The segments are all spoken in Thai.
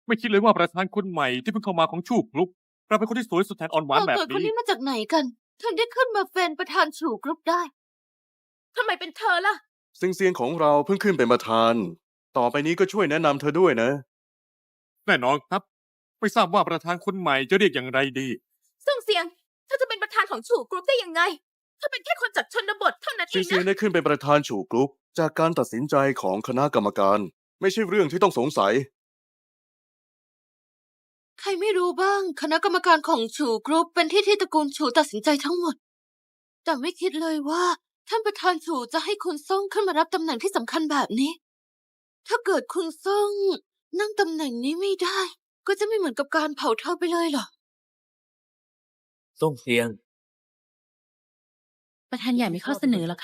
ไม่คิดเลยว่าประธานคนใหม่ที่เพิ่งเข้ามาของชูกรุ๊ปเราเป็นคนที่สวยสุดแทนอ่อนหวานแบบคนนี้นี้มาจากไหนกัน ถึงได้ขึ้นมาเป็นประธานฉู่กรุ๊ปได้ทำไมเป็นเธอล่ะเซียงของเราเพิ่งขึ้นเป็นประธาน ต่อไปนี้ก็ช่วยแนะนำเธอด้วยนะแน่นอนครับ ไม่ทราบว่าประธานคนใหม่จะเรียกอย่างไรดีซึ่งเสียงเธอจะเป็นประธานของฉู่กรุ๊ปได้ยังไงเธอเป็นแค่คนจากชนบทเท่านั้นเองเซียงนะได้ขึ้นเป็นประธานฉู่กรุ๊ปจากการตัดสินใจของคณะกรรมการ ไม่ใช่เรื่องที่ต้องสงสัยใครไม่รู้บ้างคณะกรรมการของฉู่กรุ๊ปเป็นที่ตระกูลฉู่ตัดสินใจทั้งหมด แต่ไม่คิดเลยว่าท่านประธานฉู่จะให้คุณซ่งขึ้นมารับตำแหน่งที่สำคัญแบบนี้ ถ้าเกิดคุณซ่งนั่งตำแหน่งนี้ไม่ได้ ก็จะไม่เหมือนกับการเผาเธอไปเลยเหรอส่งเสียงประธานใหญ่มีข้อเสนอเหรอคะ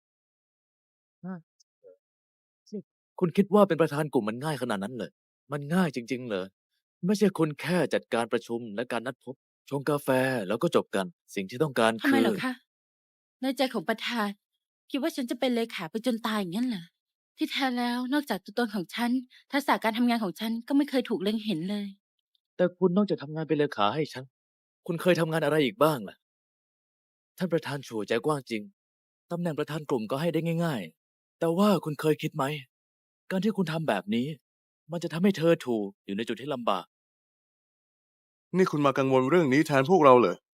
คุณคิดว่าเป็นประธานกลุ่มมันง่ายขนาดนั้นเลย มันง่ายจริงๆเหรอ ไม่ใช่คุณแค่จัดการประชุมและการนัดพบ ชงกาแฟแล้วก็จบกัน สิ่งที่ต้องการทำคืไมอเหรอคะในใจของประธาน คิดว่าฉันจะเป็นเลขาไปจนตายอย่างนั้นเหรอ ที่แท้แล้วนอกจากตัวตนของฉัน ทักษะการทำงานของฉันก็ไม่เคยถูกเล็งเห็นเลยแต่คุณนอกจากทำงานเป็นเลขาให้ฉัน คุณเคยทำงานอะไรอีกบ้างล่ะ ท่านประธานฉู่ใจกว้างจริง ตำแหน่งประธานกลุ่มก็ให้ได้ง่าย ๆ แต่ว่าคุณเคยคิดไหม การที่คุณทำแบบนี้ มันจะทำให้เธอถูกอยู่ในจุดที่ลำบากนี่คุณมากังวลเรื่องนี้แทนพวกเราเหรอ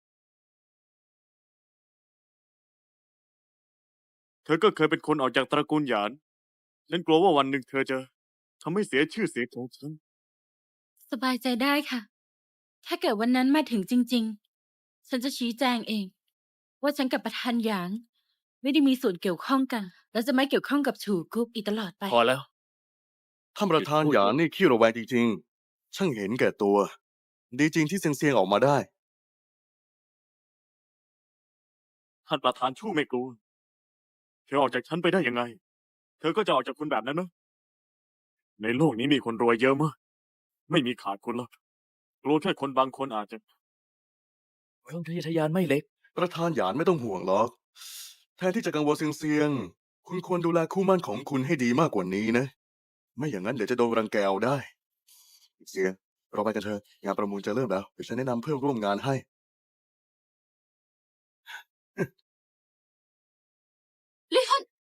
เธอก็เคยเป็นคนออกจากตระกูลหยาน ฉันกลัวว่าวันหนึ่งเธอจะทำให้เสียชื่อเสียงของฉันสบายใจได้ค่ะ ถ้าเกิดวันนั้นมาถึงจริง ๆ ฉันจะชี้แจงเอง ว่าฉันกับประธานหยาง ไม่ได้มีส่วนเกี่ยวข้องกัน และจะไม่เกี่ยวข้องกับฉู่กรุ๊ปอีกตลอดไปพอแล้วท่านประธานหยางนี่ขี้ระแวงจริงๆ ช่างเห็นแก่ตัว ดีจริงที่เซียงออกมาได้ท่านประธานชู่ไม่กลัว เธอออกจากฉันไปได้ยังไง เธอก็จะออกจากคุณแบบนั้นนะ ในโลกนี้มีคนรวยเยอะมาก ไม่มีขาดคุณหรอกกลัวแค่คนบางคนอาจจะความทะเยอทะยานไม่เล็กประธานหยานไม่ต้องห่วงหรอก แทนที่จะกังวลเซียง คุณควรดูแลคู่หมั่นของคุณให้ดีมากกว่านี้นะ ไม่อย่างนั้นเดี๋ยวจะโดนรังแกเอาได้ เซียง เราไปกันเถอะ งานประมูลจะเริ่มแล้ว เดี๋ยวฉันแนะนำเพื่อนร่วมงานให้